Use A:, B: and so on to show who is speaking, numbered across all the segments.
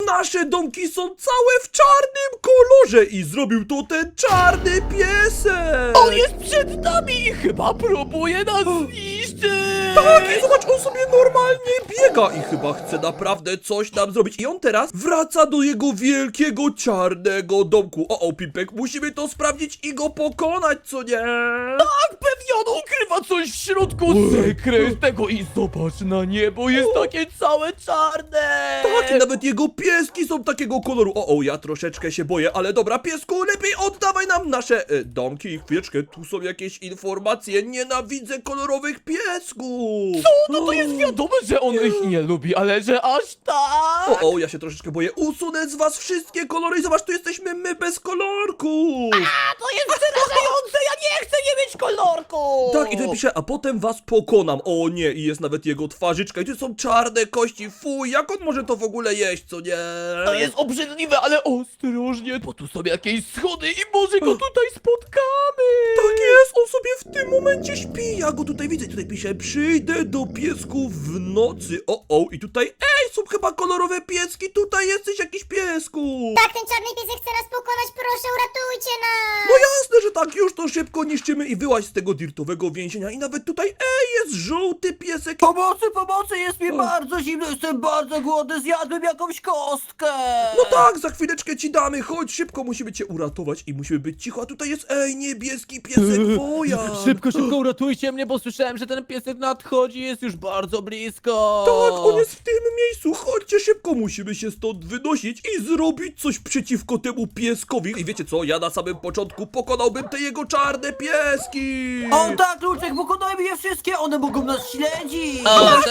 A: nasze domki są całe w czarnym kolorze i zrobił to ten czarny piesek!
B: On jest przed nami i chyba próbuje nas zniszczyć!
A: Tak, i zobacz, on sobie normalnie biega i chyba chce naprawdę coś nam zrobić. I on teraz wraca do jego wielkiego czarnego domku. O, Pipek, musimy to sprawdzić i go pokonać, co nie?
B: Tak, pewnie on ukrywa coś w środku sekretnego i zobacz na niebo, jest takie całe czarne!
A: Tak, i nawet jego pieski są takiego koloru. Ja troszeczkę się boję, ale dobra, piesku, lepiej oddawaj nam nasze domki. Chwileczkę, tu są jakieś informacje. Nienawidzę kolorowych piesków.
B: No to jest wiadomo, że on ich nie lubi, ale że aż tak!
A: Ja się troszeczkę boję. Usunę z was wszystkie kolory i zobacz, tu jesteśmy my bez kolorku.
B: A to jest przerażające, ja nie chcę nie mieć kolorku!
A: Tak, i tutaj pisze, a potem was pokonam. O nie, i jest nawet jego twarzyczka. I tu są czarne kości. Fuj, jak on może to w ogóle jeść, co nie?
B: To jest obrzydliwe, ale ostrożnie, bo tu są jakieś schody i może go tutaj spotkamy!
A: Tak jest, on sobie w tym momencie śpi. Ja go tutaj widzę. Tutaj pisze, przyjdę do piesków w nocy. I tutaj, są chyba kolorowe pieski. Tutaj jesteś jakiś piesku.
C: Tak, ten czarny piesek chce nas pokonać, proszę, uratujcie nas!
A: No jasne, że tak, już to szybko niszczymy i wyłaź z tego dirtowego więzienia. I nawet tutaj, jest żółty piesek.
D: Pomocy, jest mi bardzo zimno, jestem bardzo głodny, zjadłem jakąś kostkę!
A: No tak, za chwileczkę ci damy, chodź, szybko musimy cię uratować i musimy być cicho, a tutaj jest, niebieski piesek woja.
B: Szybko uratujcie mnie, bo słyszałem, że ten piesek nadchodzi, jest już bardzo blisko!
A: Tak, on jest w tym miejscu, chodźcie szybko, musimy się stąd wynosić i zrobić coś przeciwko temu pieskowi. I wiecie co, ja na samym początku pokonałbym te jego czarne pieski.
D: O tak, Luczek, pokonajmy je wszystkie, one mogą nas śledzić!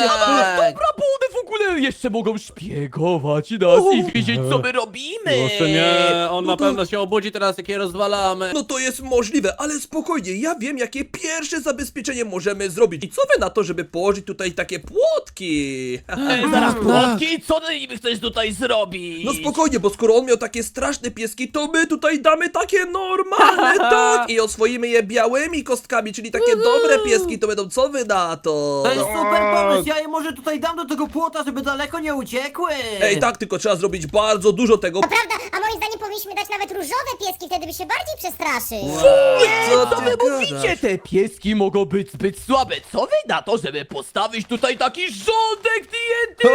B: Dobra, bo one w ogóle jeszcze mogą szpiegować nas i wiedzieć, co my robimy!
E: Proszę nie, on
A: No
E: na
A: to-
E: pewno się obudzi teraz, jak je rozwalamy.
A: No to jest możliwe, ale spokojnie, ja wiem jakie pierwsze zabezpieczenie możemy zrobić. I co wy na to, żeby położyć tutaj takie płotki?
B: Zaraz płotki, co ty niby chcesz tutaj zrobić?
A: No spokojnie, bo skoro on miał takie straszne pieski, to my tutaj damy takie normalne, tak? I oswoimy je białymi kostkami, czyli takie dobre pieski, to będą, co wy na to?
D: To jest super pomysł, ja je może tutaj dam do tego płota, żeby daleko nie uciekły!
A: Ej, tak, tylko trzeba zrobić bardzo dużo tego.
C: To prawda, a moim zdaniem powinniśmy dać nawet różowe pieski, wtedy by się bardziej przestraszył.
A: Co
B: Co
A: ty
B: wy
A: gadasz?
B: mówicie? Te pieski mogą być zbyt słabe. Co wy na to, żeby postawić tutaj taki rządek TNT?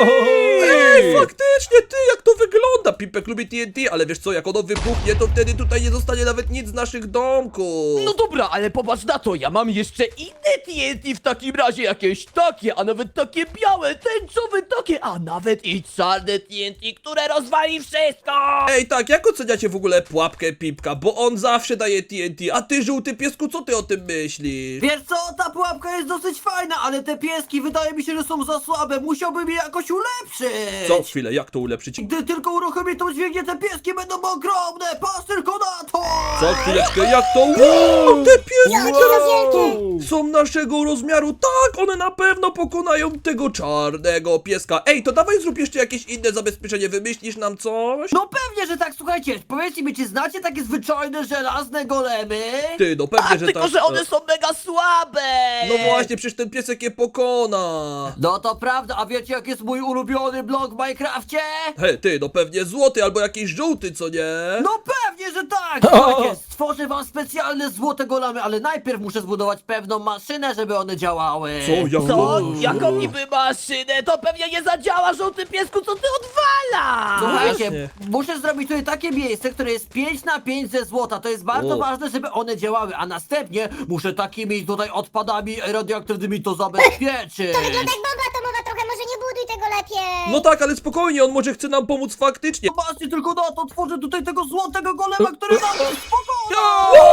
A: Ej, faktycznie, ty, jak to wygląda? Pipek lubi TNT, ale wiesz co, jak ono wybuchnie, to wtedy tutaj nie zostanie nawet nic z naszych domków.
B: No dobra, ale popatrz na to, ja mam jeszcze inne TNT w takim razie, jakieś takie, a nawet takie białe, tęczowe takie, a nawet i czarne TNT, które rozwali wszystko!
A: Ej, tak, jak oceniacie w ogóle pułapkę Pipka? Bo on zawsze daje TNT, a ty, żółty piesku, co ty o tym myślisz?
D: Wiesz co, ta pułapka jest dosyć fajna, ale te pieski wydaje mi się, że są za słabe, musiałbym je jakoś ulepszyć!
A: Co? Chwilę, jak to ulepszyć?
D: Gdy tylko uruchomię tą dźwignię, te pieski będą ogromne, patrz tylko na to!
A: Co? Chwileczkę, jak to? Wow, te pieski
C: Jakie
A: teraz
C: wielkie!
A: są naszego rozmiaru. Tak, one na pewno pokonają tego czarnego pieska. Ej, to dawaj zrób jeszcze jakieś inne zabezpieczenie, wymyślisz nam coś?
D: No pewnie, że tak, słuchajcie, powiedzcie mi, czy znacie takie zwyczajne, żelazne golemy?
A: Ty, no pewnie,
B: Tak,
A: że
B: tylko
A: tak.
B: że one są mega słabe!
A: No właśnie, przecież ten piesek je pokona.
D: No to prawda, a wiecie jak jest mój ulubiony blok w Minecrafcie?
A: Hej, ty, no pewnie złoty albo jakiś żółty, co nie?
D: No pewnie, że tak! Słuchajcie, stworzę wam specjalne złote golemy, ale najpierw muszę zbudować pewną maszynę, żeby one działały.
A: Co? Jak
B: Co? Jaką niby maszynę? To pewnie nie zadziała, żółty piesku, co ty odwala?
D: Słuchajcie,
A: Właśnie.
D: muszę zrobić tutaj takie miejsce, które jest 5 na 5 ze złota. To jest bardzo
A: O.
D: ważne, żeby one działały, a następnie muszę takimi tutaj odpadami radioaktywnymi to zabezpieczyć.
C: To wygląda jak bomba atomowa trochę, może nie buduj tego lepiej.
A: No tak, ale spokojnie, on może chce nam pomóc faktycznie.
D: Zobaczcie tylko na to, tworzę tutaj tego złotego golema, który nam spokojnie.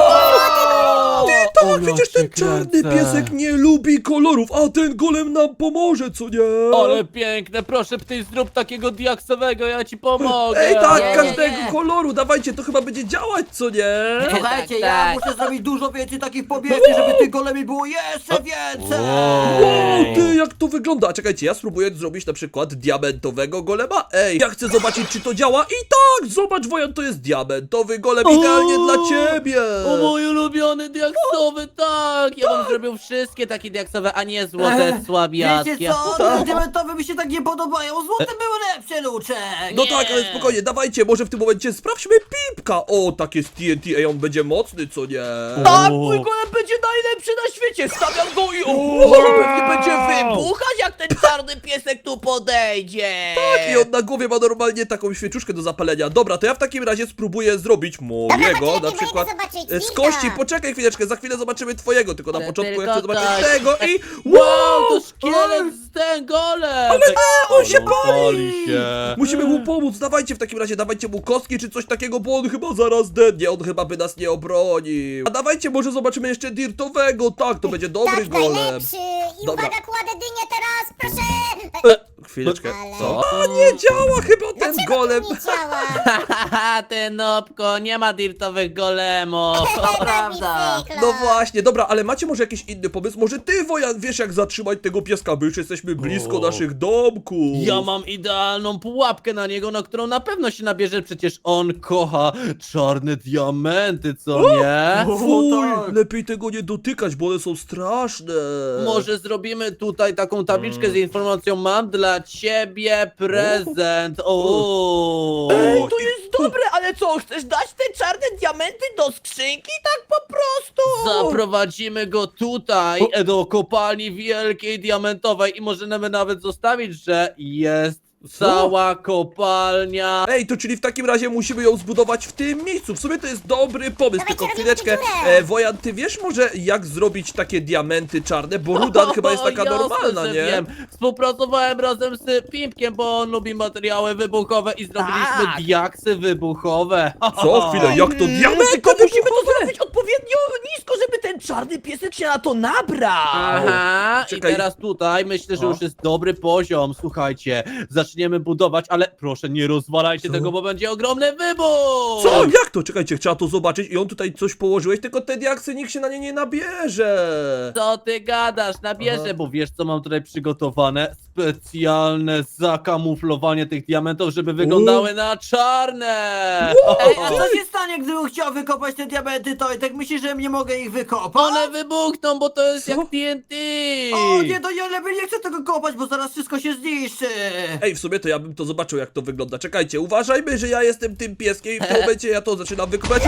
A: Tak,
E: O,
A: przecież
E: ja
A: ten
E: cię
A: czarny
E: kręcę.
A: piesek nie lubi kolorów, a ten golem nam pomoże, co nie?
E: Ale piękne, proszę ty zrób takiego diaksowego, ja ci pomogę.
A: Ej, tak,
D: Nie,
A: każdego
D: nie.
A: koloru, dawajcie, to chyba będzie działać, co nie?
D: Słuchajcie,
E: Tak,
D: ja
E: tak.
D: muszę zrobić dużo więcej takich powierzchni, żeby tych golemi było jeszcze więcej.
A: Wow, ty, jak to wygląda? A czekajcie, ja spróbuję zrobić na przykład przykład diamentowego golema. Ej, ja chcę zobaczyć, czy to działa. I tak, zobacz, Wojan, to jest diamentowy golem, idealnie dla ciebie.
E: O mój ulubiony diaksowy, tak! Ja bym zrobił wszystkie takie diaksowe, a nie złote słabiackie.
D: Wiecie co? Te diamentowe mi się tak nie podobają. Złote były lepsze, Luczek.
A: No tak, ale spokojnie, dawajcie, może w tym momencie sprawdźmy Pipka. O, tak jest TNT, ej, on będzie mocny, co nie?
B: Tak, mój golem będzie najlepszy na świecie! Stawiam go i pewnie będzie wybuchać, jak ten czarny piesek tu podejdzie!
A: Tak, i on na głowie ma normalnie taką świeczuszkę do zapalenia. Dobra, to ja w takim razie spróbuję zrobić mojego,
C: poczekaj,
A: na przykład
C: idę zobaczyć
A: z
C: Wilka.
A: kości. Poczekaj chwileczkę, za chwilę zobaczymy twojego, tylko na
E: Ale
A: początku ja
E: tylko
A: chcę zobaczyć
E: tak.
A: tego i...
E: Wow, to szkielet z ten golem! Ale
A: on się pali!
E: się!
A: Musimy mu pomóc, dawajcie w takim razie, dawajcie mu kostki czy coś takiego, bo on chyba zaraz dednie, on chyba by nas nie obronił. A dawajcie, może zobaczymy jeszcze dirtowego, tak, to będzie dobry
C: Tak,
A: golem.
C: najlepszy. I
A: Dobra.
C: uwaga, kładę dynię teraz, proszę.
A: Chwileczkę,
C: Ale-
A: co? A nie działa chyba ten
C: Dlaczego
A: golem.
C: to nie działa?
E: Haha, ty nopko, nie ma dirtowych golemów!
D: To prawda.
A: No właśnie, dobra, ale macie może jakiś inny pomysł? Może ty, Wojan, wiesz jak zatrzymać tego pieska, my już jesteśmy blisko
E: O.
A: naszych domków.
E: Ja mam idealną pułapkę na niego, na którą na pewno się nabierze, przecież on kocha czarne diamenty, co nie?
A: Fuj,
D: tak.
A: lepiej tego nie dotykać, bo one są straszne.
E: Może zrobimy tutaj taką tabliczkę z informacją: mam dla ciebie prezent. O.
B: Ej, to jest dobre, ale co, chcesz dać te czarne diamenty do skrzynki? Tak po prostu!
E: Zaprowadzimy go tutaj do kopalni wielkiej diamentowej i możemy nawet zostawić, że jest cała kopalnia.
A: Ej, to czyli w takim razie musimy ją zbudować w tym miejscu. W sumie to jest dobry pomysł,
C: Dawajcie,
A: tylko
C: robimy
A: chwileczkę.
C: dziurę.
A: Wojan, ty wiesz może jak zrobić takie diamenty czarne? Bo ruda chyba jest taka
E: Jasne,
A: normalna,
E: że
A: nie?
E: Wiem. Współpracowałem razem z Pimpkiem, bo on lubi materiały wybuchowe i zrobiliśmy
B: Tak.
E: diaksy wybuchowe.
A: Co? Chwilę, jak to diamenty
B: Tylko musimy to
A: wybuchowe?
B: zrobić odpowiednio nisko, żeby ten czarny piesek się na to nabrał!
E: Aha,
A: Czekaj.
E: i teraz tutaj myślę, że
A: O.
E: już jest dobry poziom. Słuchajcie, zaczniemy budować, ale proszę nie rozwalajcie
A: Co?
E: tego, bo będzie ogromny wybuch!
A: Co? Jak to? Czekajcie, trzeba to zobaczyć i on tutaj coś położyłeś, tylko te diaksy nikt się na nie nie nabierze.
E: Co ty gadasz? Nabierze,
A: Aha.
E: bo wiesz co mam tutaj przygotowane? Specjalne zakamuflowanie tych diamentów, żeby wyglądały na czarne!
D: Ej, a co się stanie, gdybym chciał wykopać te diamenty, to i tak myślisz, że nie mogę ich wykopać?
E: One wybuchną, bo to jest
A: Co?
E: jak TNT!
D: O nie, to ja lepiej nie chcę tego kopać, bo zaraz wszystko się zniszczy.
A: Ej, w sumie to ja bym to zobaczył, jak to wygląda. Czekajcie, uważajmy, że ja jestem tym pieskiem i w tym momencie ja to zaczynam wykopać.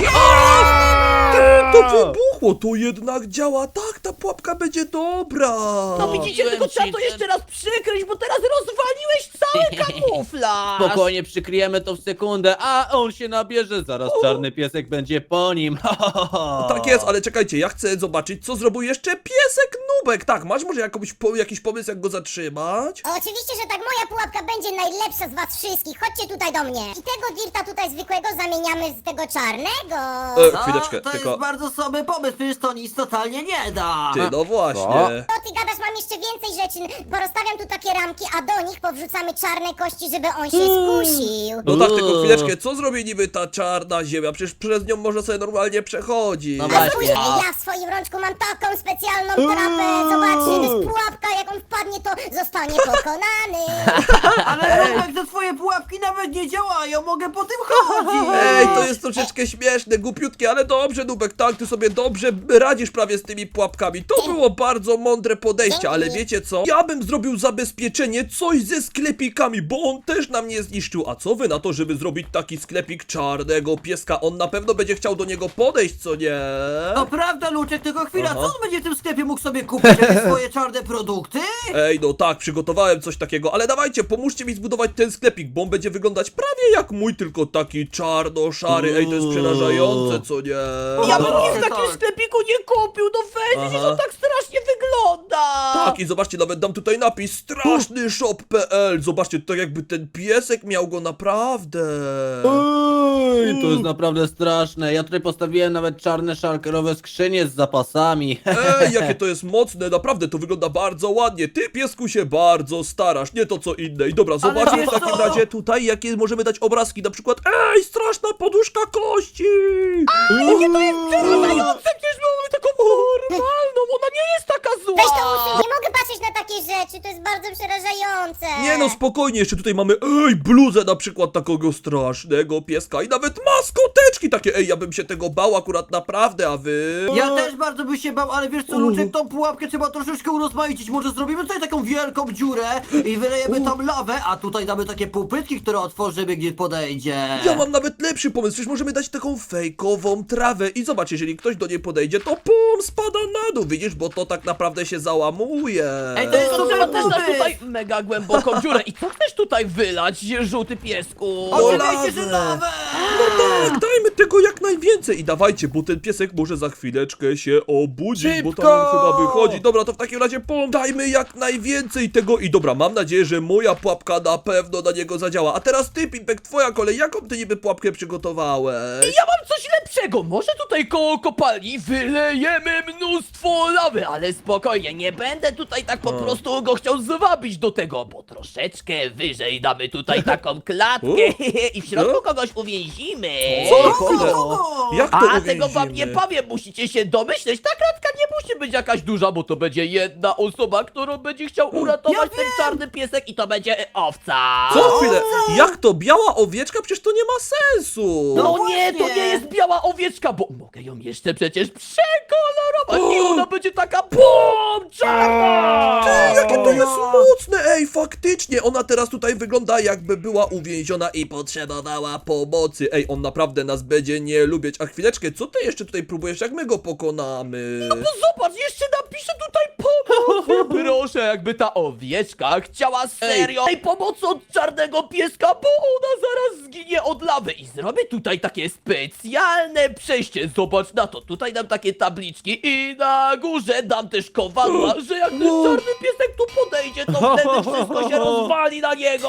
A: To wybuchło, to jednak działa. Tak, ta pułapka będzie dobra.
B: No widzicie, tylko
E: Mówiłem
B: trzeba
E: ci,
B: to
E: że-
B: jeszcze raz przykryć, bo teraz rozwaliłeś cały kamuflaż!
E: Spokojnie przykryjemy to w sekundę, a on się nabierze, zaraz czarny piesek będzie po nim.
A: Tak jest, ale czekajcie, ja chcę zobaczyć, co zrobił jeszcze piesek Nubek. Tak, masz może jakiś pomysł, jak go zatrzymać?
C: Oczywiście, że tak, moja pułapka będzie najlepsza z was wszystkich. Chodźcie tutaj do mnie. I tego dirta tutaj zwykłego zamieniamy z tego czarnego.
A: Chwileczkę,
D: to
A: tylko...
D: jest bardzo słaby pomysł, przecież to nic totalnie nie da.
A: Ty, no właśnie.
C: To ty gadasz, mam jeszcze więcej rzeczy. Porozstawiam tu takie ramki, a do nich powrzucamy czarne kości, żeby on się skusił.
A: No tak, tylko chwileczkę, co zrobi niby ta czarna ziemia? Przecież przez nią można sobie normalnie przechodzić.
E: No
C: A
E: właśnie.
C: spójrz, ja w swoim rączku mam taką specjalną trapę. Zobaczcie, to jest pułapka, jak on wpadnie, to zostanie pokonany.
D: Ale Nubek, te twoje pułapki nawet nie działają, mogę po tym chodzić.
A: Ej, to jest troszeczkę śmieszne, głupiutkie, ale dobrze, Nubek, tak, ty sobie dobrze radzisz prawie z tymi pułapkami. To było bardzo mądre podejście, ale wiecie co? Ja bym zrobił zabezpieczenie, coś ze sklepikami, bo on też nam nie zniszczył. A co wy na to, żeby zrobić taki sklepik czarnego pieska? On na pewno będzie chciał do niego podejść, co nie?
D: To prawda, Luczek, tylko chwila,
A: Aha.
D: co on będzie w tym sklepie mógł sobie kupić? Jakieś swoje czarne produkty?
A: Ej, no tak, przygotowałem coś takiego, ale dawajcie, pomóżcie mi zbudować ten sklepik, bo on będzie wyglądać prawie jak mój, tylko taki czarno-szary. Ej, to jest przerażające, co nie?
B: Ja bym
D: No,
B: nic w takim
D: tak.
B: sklepiku nie kupił, no weź,
A: Aha.
B: to tak strasznie wygląda!
A: Tak, i zobaczcie, nawet dam tutaj napis strasznyshop.pl. Zobaczcie, tak jakby ten piesek miał go naprawdę.
E: Ej, to jest naprawdę straszne. Ja tutaj postawiłem nawet czarne szalkerowe skrzynie z zapasami.
A: Ej, jakie to jest mocne, naprawdę to wygląda bardzo ładnie. Ty, piesku, się bardzo starasz, nie to co inne. I dobra, zobaczmy
D: wiesz
A: w takim
D: co?
A: razie tutaj, jakie możemy dać obrazki. Na przykład, ej, straszna poduszka kości.
B: Przerażające, przecież mamy taką normalną ona nie jest taka zła!
C: Weź to usuń, nie mogę patrzeć na takie rzeczy, to jest bardzo przerażające.
A: Nie no, spokojnie, jeszcze tutaj mamy, bluzę na przykład takiego strasznego pieska i nawet maskoteczki takie, ja bym się tego bał akurat naprawdę, a wy?
D: Ja też bardzo bym się bał, ale wiesz co, Luczek, tą pułapkę trzeba troszeczkę urozmaicić. Może zrobimy tutaj taką wielką dziurę i wylejemy tam lawę, a tutaj damy takie półpytki, które otworzymy, gdzie podejdzie.
A: Ja mam nawet lepszy pomysł, przecież możemy dać taką fejkową trawę i zobacz, jeżeli ktoś do niej podejdzie, to pum, spada na dół, widzisz, bo to tak naprawdę się załamuje.
D: Ej, to jest
B: To
D: super
B: trzeba też dać
D: pomysł.
B: tutaj mega głęboką dziurę. I co chcesz tutaj wylać, żółty piesku?
D: Oczywiście, że
A: lawę.
D: lawę!
A: Tak, dajmy tego jak najwięcej i dawajcie, bo ten piesek może za chwileczkę się obudzić, bo
E: Szybko!
A: tam on chyba wychodzi. Dobra, to w takim razie dajmy jak najwięcej tego i dobra, mam nadzieję, że moja pułapka na pewno na niego zadziała. A teraz ty, Pimpek, twoja kolej, jaką ty niby pułapkę przygotowałeś?
B: Ja mam coś lepszego! Może tutaj koło kopalni wylejemy mnóstwo lawy, ale spokojnie, nie będę tutaj tak po prostu go chciał zwabić do tego, bo troszeczkę wyżej damy tutaj taką klatkę i w środku kogoś uwięzimy.
A: Co?
D: Kogo?
A: Chwilę.
D: Kogo?
A: Jak to
B: A tego wam nie
A: uwięzimy?
B: powiem, musicie się domyśleć. Ta klatka nie musi być jakaś duża, bo to będzie jedna osoba, którą będzie chciał uratować
D: Ja
B: ten
D: wiem.
B: czarny piesek i to będzie owca.
A: Co? Chwilę, jak to? Biała owieczka? Przecież to nie ma sensu.
B: No
D: No
B: nie, to
D: właśnie.
B: nie jest biała owieczka, bo mogę ją jeszcze przecież przekolorować i ona będzie taka BOOM! Czarna!
A: Jakie to jest mocne, faktycznie, ona teraz tutaj wygląda jakby była uwięziona i potrzebowała pomocy. On naprawdę nas będzie nie lubić. A chwileczkę, co ty jeszcze tutaj próbujesz, jak my go pokonamy?
B: No zobacz, jeszcze napiszę tutaj pomoc! Proszę, jakby ta owieczka chciała serio tej pomocy od czarnego pieska, bo ona zaraz zginie od lawy. I zrobię tutaj takie specjalne przejście. Zobacz na to, tutaj dam takie tabliczki i na górze dam też kowadła, że jak ten czarny piesek tu podejdzie, to wtedy wszystko się rozwali na niego!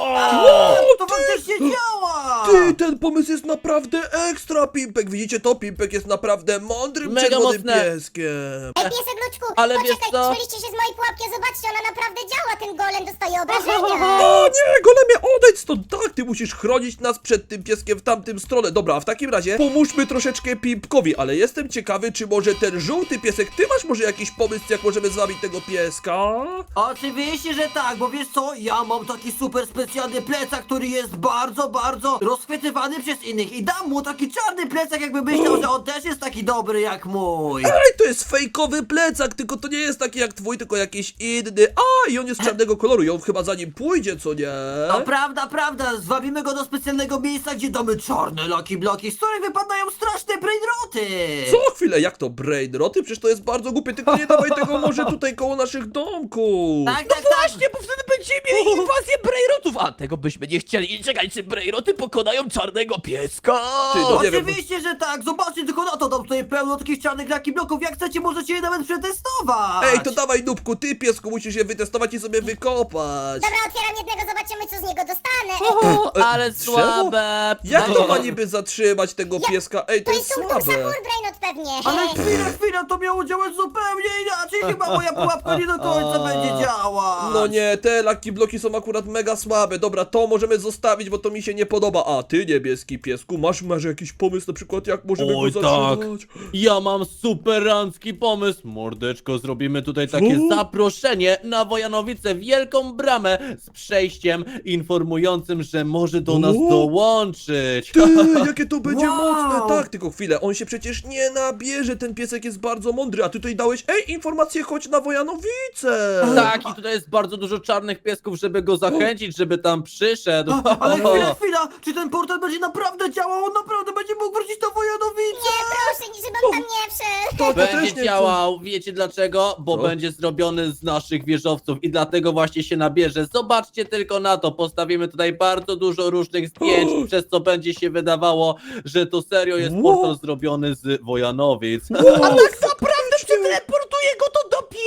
D: To faktycznie działa!
A: Ty, ten pomysł jest naprawdę ekstra, Pimpek. Widzicie to? Pimpek jest naprawdę mądrym,
E: Mega
A: czerwonym
E: mocne.
A: pieskiem.
C: Ej, piesek Luczku,
E: Ale wiesz
C: poczekaj,
E: co?
C: śmieliście się z mojej pułapki, zobaczcie, ona naprawdę działa, ten golem dostaje obrażenia.
A: O nie, golemie, odejdź stąd! Tak, ty musisz chronić nas przed tym pieskiem w tamtym stronę. Dobra, a w takim razie pomóżmy troszeczkę Pimpkowi, ale jestem ciekawy, czy może ten żółty piesek, ty masz może jakiś pomysł, jak możemy zwabić tego pieska?
D: Oczywiście, że tak, bo wiesz co? Ja mam taki super specjalny plecak, który jest bardzo, bardzo rozchwytywany przez innych i dam mu taki czarny plecak, jakby myślał, że on też jest taki dobry jak mój.
A: To jest fejkowy plecak, tylko to nie jest taki jak twój, tylko jakiś inny. I on jest czarnego koloru i on chyba za nim pójdzie, co nie?
D: No prawda, prawda, zwabimy go do specjalnego miejsca, gdzie damy czarne Lucky Bloki, z których wypadają straszne brainroty.
A: Co chwilę, jak to brainroty? Przecież to jest bardzo głupie, tylko nie dawaj tego może tutaj koło naszych domków.
D: Tak,
B: No
D: tak, tak.
B: właśnie, bo wtedy będziemy mieli inwazję brainrotów, a tego byśmy nie chcieli. I czekaj, czy brainroty pokonają czarnego pieska?
A: Ty, no nie wiem,
D: Oczywiście, że tak, zobaczcie tylko na to, dam tutaj pełno takich czarnych Lucky Bloków, jak chcecie, możecie je nawet przetestować.
A: to dawaj, Nubku, ty piesku musisz je wytestować i sobie wykopać.
C: Dobra, otwieram jednego, zobaczymy, co z niego dostanę.
E: Ale
A: drzewo?
E: słabe.
A: Jak to
D: Daj-
A: ma niby zatrzymać tego pieska? To
C: To
A: jest
C: jest Tung
A: słabe.
C: Sakur Brainot pewnie.
D: Ale chwila, to miało działać zupełnie inaczej, chyba moja pułapka nie do końca będzie działać.
A: No nie, te Lucky Bloki są akurat mega słabe. Dobra, to możemy zostawić, bo to mi się nie podoba. A ty, niebieski piesku, masz jakiś pomysł na przykład, jak możemy
E: Oj,
A: go
E: tak.
A: zatrzymać?
E: Ja mam superancki pomysł. Mordeczko, zrobimy tutaj takie
A: Co?
E: zaproszenie na Wojanowicę, wielką bramę z przejściem informującym, że może do nas
A: O!
E: dołączyć.
A: Ty, jakie to będzie
D: Wow.
A: mocne. Tak, tylko chwilę, on się przecież nie nabierze, ten piesek jest bardzo mądry, a ty tutaj dałeś, informację, chodź na Wojanowice.
E: Tak, i tutaj jest bardzo dużo czarnych piesków, żeby go zachęcić, żeby tam przyszedł.
D: Ale chwila, czy ten portal będzie naprawdę działał? On naprawdę będzie mógł wrócić do Wojanowicy?
C: Nie, proszę, żebym tam nie wszedł.
A: To też
E: Będzie
A: nie
E: działał, wiecie dlaczego? Bo
A: Co?
E: będzie zrobiony z naszych wieżowców i dlatego właśnie się nabierze. Zobaczcie tylko na to, postawimy tutaj bardzo dużo różnych zdjęć, przez co będzie się wydawało, że to serio jest
A: Wow.
E: portal zrobiony z Wojanowic.
A: Wow,
B: Tak naprawdę przeteleportuje go to do piekła!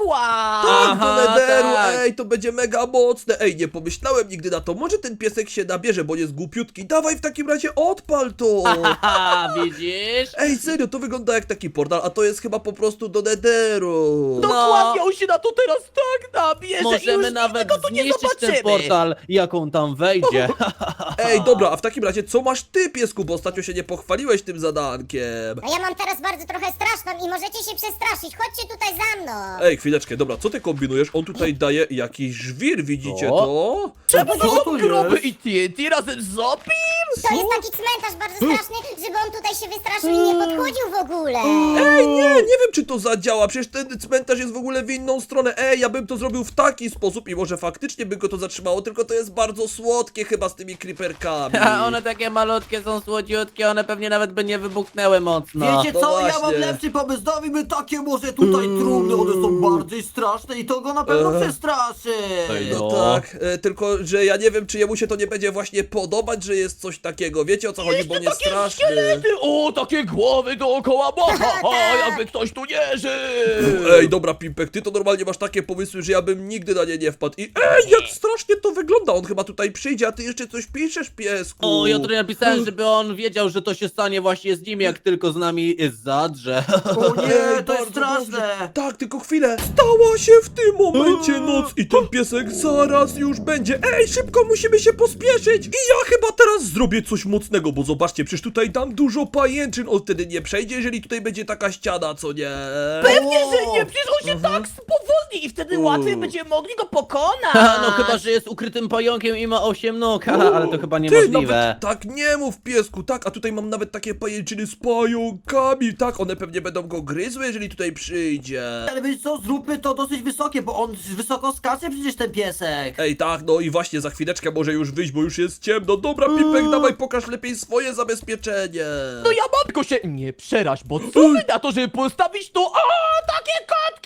B: zakład!
A: Tak, do
E: Aha,
A: nederu,
E: tak.
A: ej, to będzie mega mocne. Ej, nie pomyślałem nigdy na to. Może ten piesek się nabierze, bo jest głupiutki. Dawaj w takim razie odpal to.
E: Haha, widzisz?
A: Ej, serio, to wygląda jak taki portal, a to jest chyba po prostu do nederu.
B: Dokładnie, on się na to teraz tak nabierze i
E: Możemy
B: już
E: nawet
B: nigdy go tu nie
E: zniszczyć
B: zobaczymy.
E: ten portal, jak on tam wejdzie.
A: Ej, dobra, a w takim razie co masz ty, piesku, bo ostatnio się nie pochwaliłeś tym zadankiem.
C: No ja mam teraz bardzo trochę straszną i możecie się przestraszyć. Chodźcie tutaj za mną.
A: Ej, chwileczkę, dobra, co ty kombinujesz? On tutaj daje jakiś żwir, widzicie
E: O.
A: to?
B: Czemu to
D: Co
B: są
D: tu
B: groby
D: jest?
B: i TNT razem z Zopim?
C: To jest taki cmentarz bardzo straszny, żeby on tutaj się wystraszył i nie podchodził w ogóle.
A: Ej, nie wiem czy to zadziała, przecież ten cmentarz jest w ogóle w inną stronę. Ej, ja bym to zrobił w taki sposób i może faktycznie by go to zatrzymało, tylko to jest bardzo słodkie chyba z tymi creeperkami.
E: A one takie malutkie są, słodziutkie, one pewnie nawet by nie wybuchnęły mocno.
D: Wiecie
A: no
D: co, ja mam
A: właśnie.
D: lepszy pomysł, dawimy takie może tutaj trumny, one są bardziej straszne i to go na pewno przestraszy.
E: Ej,
A: No
E: no.
A: tak, tylko że ja nie wiem, czy jemu się to nie będzie właśnie podobać, że jest coś takiego. Wiecie o co chodzi, bo on jest
B: Takie
A: straszny.
B: szkielety, o, takie głowy dookoła, bo jakby ktoś tu nie żył.
A: Ej, dobra, Pimpek, ty to normalnie masz takie pomysły, że ja bym nigdy na nie nie wpadł. I ej, jak strasznie to wygląda, on chyba tutaj przyjdzie, a ty jeszcze coś piszesz, piesku.
E: O, ja tutaj napisałem, żeby on wiedział, że to się stanie właśnie z nim, jak tylko z nami zadrze.
D: O nie,
A: Ej,
D: to jest
A: bardzo
D: straszne.
A: dobrze. Tak, tylko chwilę. Stała się w tym momencie noc i ten piesek zaraz już będzie. Ej, szybko musimy się pospieszyć. I ja chyba teraz zrobię coś mocnego, bo zobaczcie, przecież tutaj dam dużo pajęczyn. On wtedy nie przejdzie, jeżeli tutaj będzie taka ściana, co nie?
B: Pewnie, że nie, przecież on się tak spowolni i wtedy łatwiej będziemy mogli go pokonać.
E: No chyba, że jest ukrytym pająkiem i ma 8 nóg, ale to chyba
A: Ty,
E: niemożliwe.
A: nawet tak nie mów, piesku, tak, a tutaj mam nawet takie pajęczyny z pająkami, tak, one pewnie będą go gryzły, jeżeli tutaj przyjdzie.
D: Ale wiecie co, zróbmy to dosyć wysokie, bo on wysoko skacze przecież ten piesek.
A: Ej, tak, no i właśnie za chwileczkę może już wyjść, bo już jest ciemno. Dobra, Pipek, dawaj, pokaż lepiej swoje zabezpieczenie.
B: No ja mam, tylko się nie przeraź, bo co my na to, żeby postawić tu, takie kotki!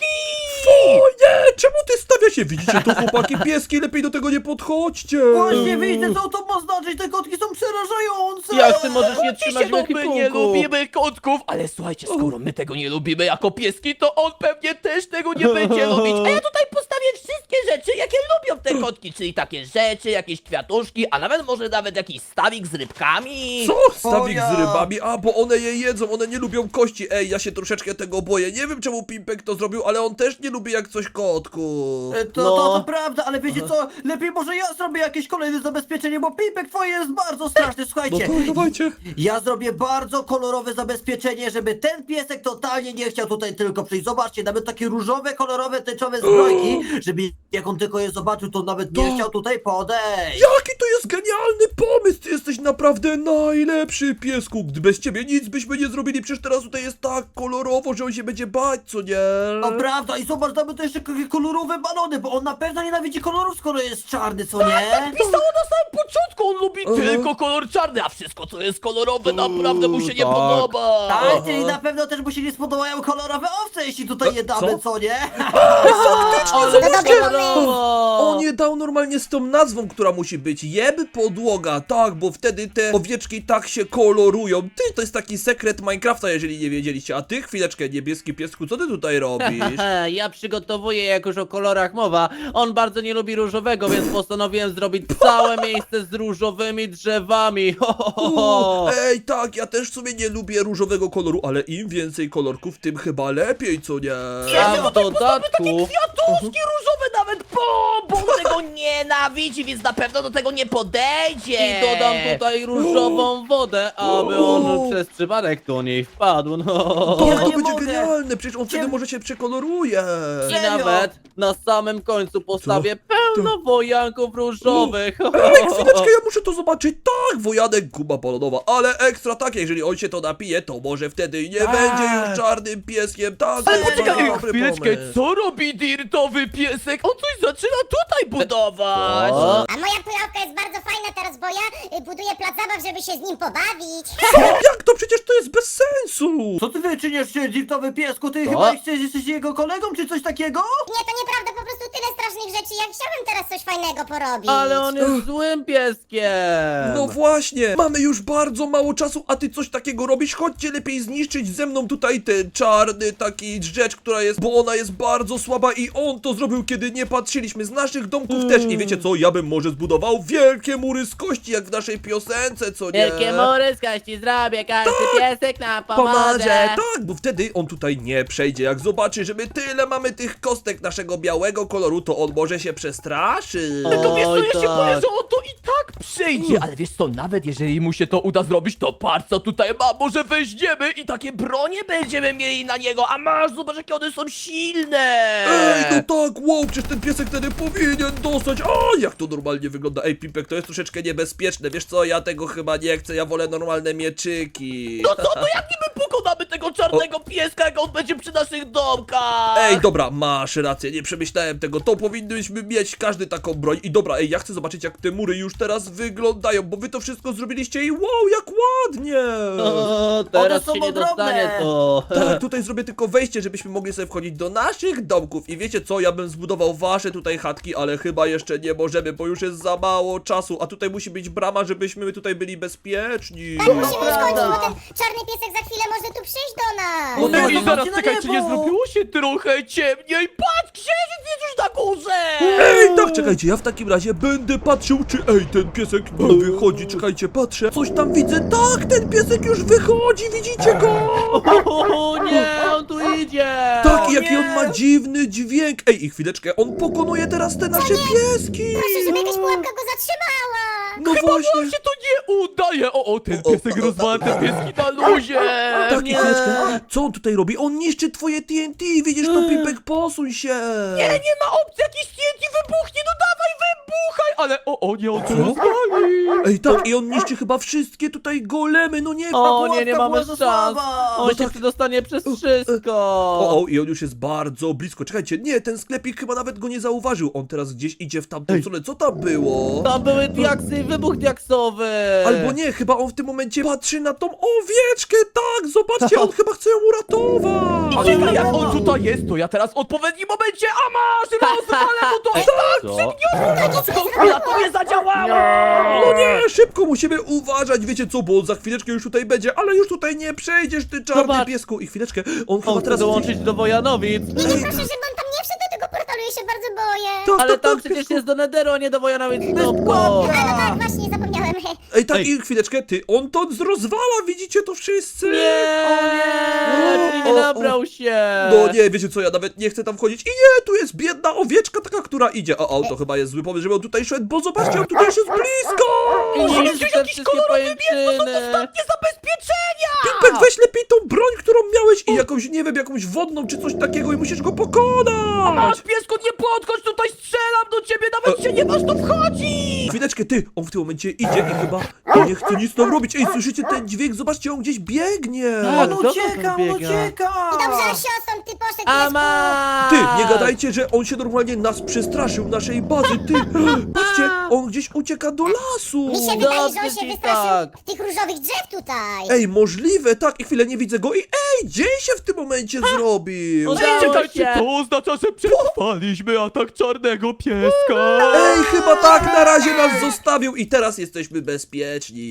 A: O nie, czemu ty stawia się? Widzicie to, chłopaki, pieski, lepiej do tego nie podchodźcie.
D: Właśnie widzę, co to ma znaczyć, te kotki są przerażające.
E: Jak ty możesz nie
B: Oczywiście,
E: trzymać w
B: no my nie
E: ekwipunku?
B: lubimy kotków, ale słuchajcie, skoro my tego nie lubimy jako pieski, to on pewnie też tego nie będzie lubić. A ja tutaj postawię wszystkie rzeczy, jakie lubią te kotki, czyli takie rzeczy, jakieś kwiatuszki, a może nawet jakiś stawik z rybkami.
A: Co? Stawik
D: O ja.
A: z rybami? A, bo one je jedzą, one nie lubią kości. Ej, ja się troszeczkę tego boję. Nie wiem, czemu Pimpek to zrobił, ale on też nie lubi jak coś kotku.
D: To prawda, ale wiecie co, lepiej może ja zrobię jakieś kolejne zabezpieczenie, bo Pipek twoje jest bardzo straszne,
A: No
D: słuchajcie.
A: to dawajcie.
D: Ja zrobię bardzo kolorowe zabezpieczenie, żeby ten piesek totalnie nie chciał tutaj tylko przyjść. Zobaczcie, nawet takie różowe, kolorowe, tęczowe zbrojki, żeby jak on tylko je zobaczył, to nawet nie
A: To-
D: chciał tutaj podejść.
A: Jaki to jest genialny pomysł! Ty jesteś naprawdę najlepszy, piesku. Gdy bez ciebie nic byśmy nie zrobili, przecież teraz tutaj jest tak kolorowo, że on się będzie bać, co nie?
D: No prawda, i zobacz, damy to jeszcze takie kolorowe balony, bo on na pewno nienawidzi kolorów, skoro jest czarny, co nie?
B: Pisało na samym początku, on lubi tylko kolor czarny, a wszystko co jest kolorowe naprawdę mu się nie
E: tak.
B: podoba.
D: Tak, czyli na pewno też mu się nie spodobają kolorowe owce, jeśli tutaj je damy,
A: co?
D: co nie?
E: Ale
C: To dobry
E: kolorowo!
A: On je dał normalnie z tą nazwą, która musi być. Jeb podłoga, tak, bo wtedy te owieczki tak się kolorują. Ty, to jest taki sekret Minecrafta, jeżeli nie wiedzieliście. A ty, chwileczkę, niebieski piesku, co ty tutaj robisz?
E: Ja przygotowuję, jak już o kolorach mowa. On bardzo nie lubi różowego, więc postanowiłem zrobić całe miejsce z różowymi drzewami. Ho, ho, ho, ho.
A: Ej, tak, ja też w sumie nie lubię różowego koloru, ale im więcej kolorków, tym chyba lepiej, co nie?
E: A w dodatku...
B: Kwiatuszki różowe nawet, bo on tego nienawidzi, więc na pewno do tego nie podejdzie.
E: I dodam tutaj różową wodę, aby on przez przypadek do niej wpadł, no.
A: To,
D: Ja
A: to
D: nie
A: będzie
D: mogę.
A: genialne, przecież on wtedy
D: Cie-
A: może się przekoloruje.
E: I
D: Serio?
E: nawet na samym końcu postawię pełno wojanków różowych.
A: Ej, chwileczkę, ja muszę to zobaczyć. Tak, wojanek, guba balonowa, ale ekstra tak, jeżeli on się to napije, to może wtedy nie będzie już czarnym pieskiem. Tak,
B: Ale
A: to jest
B: poczekaj,
A: bardzo dobry
B: chwileczkę,
A: pomysł.
B: co robi dirtowy piesek? On coś zaczyna tutaj budować.
E: O,
C: A moja pułapka jest bardzo fajna teraz, bo ja buduję plac zabaw, żeby się z nim pobawić.
A: Co? Jak to? Przecież to jest bez sensu.
D: Co ty wyczyniasz się, dzirtowy piesku? Ty
E: Co?
D: chyba jesteś jego kolegą, czy coś takiego?
C: Nie, to nieprawda, po prostu tyle strasznych rzeczy. Ja chciałem teraz coś fajnego porobić.
E: ale on jest złym pieskiem.
A: No właśnie. mamy już bardzo mało czasu, a ty coś takiego robisz? Chodźcie lepiej zniszczyć ze mną tutaj ten czarny taki rzecz, która jest, bo ona jest bardzo słaba i on to zrobił, kiedy nie patrzyliśmy. Z naszych domków też. I wiecie co? Ja bym może zbudował wielkie mury z kości, jak w naszej piosence, co nie?
E: Wielkie mury z kości zrobię, każdy piesek nam
A: Pomoże,
E: pomoże.
A: tak, bo wtedy on tutaj nie przejdzie. Jak zobaczy, że my tyle mamy tych kostek naszego białego koloru, to on może się przestraszy.
B: To wiesz co,
E: Oj,
B: ja się
E: tak.
B: boję, że on to i tak przejdzie. Ale wiesz co, nawet jeżeli mu się to uda zrobić, to patrz co tutaj ma, może weźmiemy i takie bronie będziemy mieli na niego, a masz, zobacz jakie one są silne.
A: Ej, no tak, wow, przecież ten piesek wtedy powinien dostać. A, jak to normalnie wygląda. Ej, Pipek, to jest troszeczkę niebezpieczne. Wiesz co, ja tego chyba nie chcę, ja wolę normalne mieczyki.
B: No co, to jak niby pokonamy tego czarnego pieska, jak on będzie przy naszych domkach?
A: Ej, dobra, masz rację, nie przemyślałem tego, to powinniśmy mieć każdy taką broń. I dobra, ej, ja chcę zobaczyć jak te mury już teraz wyglądają, bo wy to wszystko zrobiliście i wow, jak ładnie!
E: O, teraz
D: są
E: się nie
D: ogromne.
E: dostanie to.
A: Tak, tutaj zrobię tylko wejście, żebyśmy mogli sobie wchodzić do naszych domków. I wiecie co, ja bym zbudował wasze tutaj chatki, ale chyba jeszcze nie możemy, bo już jest za mało czasu. A tutaj musi być brama, żebyśmy tutaj byli bezpieczni.
C: Tak, musimy już
E: prawda.
C: kończyć, bo ten czarny piesek za chwilę może tu przyjść do nas.
D: No
B: No
D: tak,
B: i zaraz,
D: zobaczcie na
B: czekaj, czy nie
D: niebo.
B: zrobiło się trochę ciemniej? Patrz, księżyc jest już na górze!
A: Ej, tak, czekajcie, ja w takim razie będę patrzył, czy ten piesek nie wychodzi. Czekajcie, patrzę. Coś tam widzę. Tak, ten piesek już wychodzi, widzicie go?
E: O nie, on tu idzie.
A: Tak,
D: O
A: i jaki
D: nie!
A: on ma dziwny dźwięk. Ej, i chwileczkę, on pokonuje teraz te nasze pieski.
C: Proszę, żeby jakaś pułapka go zatrzymała.
A: No
B: Chyba
A: właśnie.
B: wam się to nie udaje! O, ten
A: O,
B: piesek rozwala te pieski na luzie!
A: Tak, i
E: nie.
A: chwileczkę. Co on tutaj robi? On niszczy twoje TNT, widzisz to, Pipek, posuń się.
B: Nie ma opcji, jakiś TNT wybuchnie, no dawaj, wybuchaj! Ale nie, on to rozwali!
A: Ej, tak, i on niszczy chyba wszystkie tutaj golemy, no nie.
E: O nie, nie
D: Pułapka
E: mamy
D: była za
E: szans.
D: słaba.
E: On się przedostanie przez wszystko.
A: O, i on już jest bardzo blisko. Czekajcie, nie, ten sklepik chyba nawet go nie zauważył. On teraz gdzieś idzie w tamtą stronę. Co tam było?
E: Tam były diaksy i wybuch diaksowy.
A: Albo nie, chyba on w tym momencie patrzy na tą owieczkę, tak, zobaczcie, on chyba chce ją uratować.
B: A czekaj, jak on tutaj jest, to ja teraz w odpowiednim momencie, a masz, rozwalę mu to! Tak,
E: Co?
B: chwila, to nie zadziałało!
A: No nie, szybko musimy uważać, wiecie co, bo on za chwileczkę już tutaj będzie, ale już tutaj nie przejdziesz, ty czarny
E: Zobacz.
A: piesku. I chwileczkę, on chyba
E: On chce
A: teraz...
E: dołączyć do Wojanowic.
C: Nie, proszę, żeby on tam nie wszedł do tego portalu, ja się bardzo boję.
A: Tak,
E: Ale
A: tak,
E: tam
A: tak,
E: przecież
A: piesku.
E: jest do Nederu, a nie do Wojanowic. Stopko.
D: pułapka.
C: No tak, właśnie, zapomniałem.
A: Ej, tak,
E: Ej.
A: i chwileczkę, ty, on to rozwala, widzicie to wszyscy?
E: Nie, czyli nie nabrał się.
A: No nie, wiecie co, ja nawet nie chcę tam wchodzić. I nie, tu jest biedna owieczka taka, która idzie. O, to chyba jest zły pomysł, żeby on tutaj szedł, bo zobaczcie, on tutaj już jest blisko!
E: I niszczy te wszystkie pajęczyny.
B: Nie zabezpieczenia!
A: Pipek, weź lepiej tą broń, którą miałeś i jakąś, nie wiem, jakąś wodną czy coś takiego i musisz go pokonać!
B: Masz, piesku, nie podchodź, tutaj strzelam do ciebie, nawet się nie masz tu wchodzić!
A: Chwileczkę, ty, on w tym momencie idzie i chyba nie chce nic tam robić. Ej, słyszycie ten dźwięk? Zobaczcie, on gdzieś biegnie!
E: Tak.
D: On
E: Kto
D: ucieka,
E: tam
D: on
E: biega?
D: ucieka.
C: I dobrze, siostrą, ty poszedł, piesku.
E: Ama!
A: Ty, nie gadajcie, że on się normalnie nas przestraszył, naszej bazy, ty! Patrzcie, on gdzieś ucieka do lasu!
C: Mi się wydaje, że on
E: Dobrze
C: się
E: ci
C: wystraszył
E: tak.
C: tych różowych drzew tutaj.
A: Ej, możliwe, tak, i chwilę nie widzę go i ej, dzień się w tym momencie zrobił!
E: Udało
B: Czekajcie,
E: się.
B: to oznacza, że przetrwaliśmy atak czarnego pieska!
A: Ej, chyba tak, na razie nas zostawił i teraz jesteśmy bezpieczni.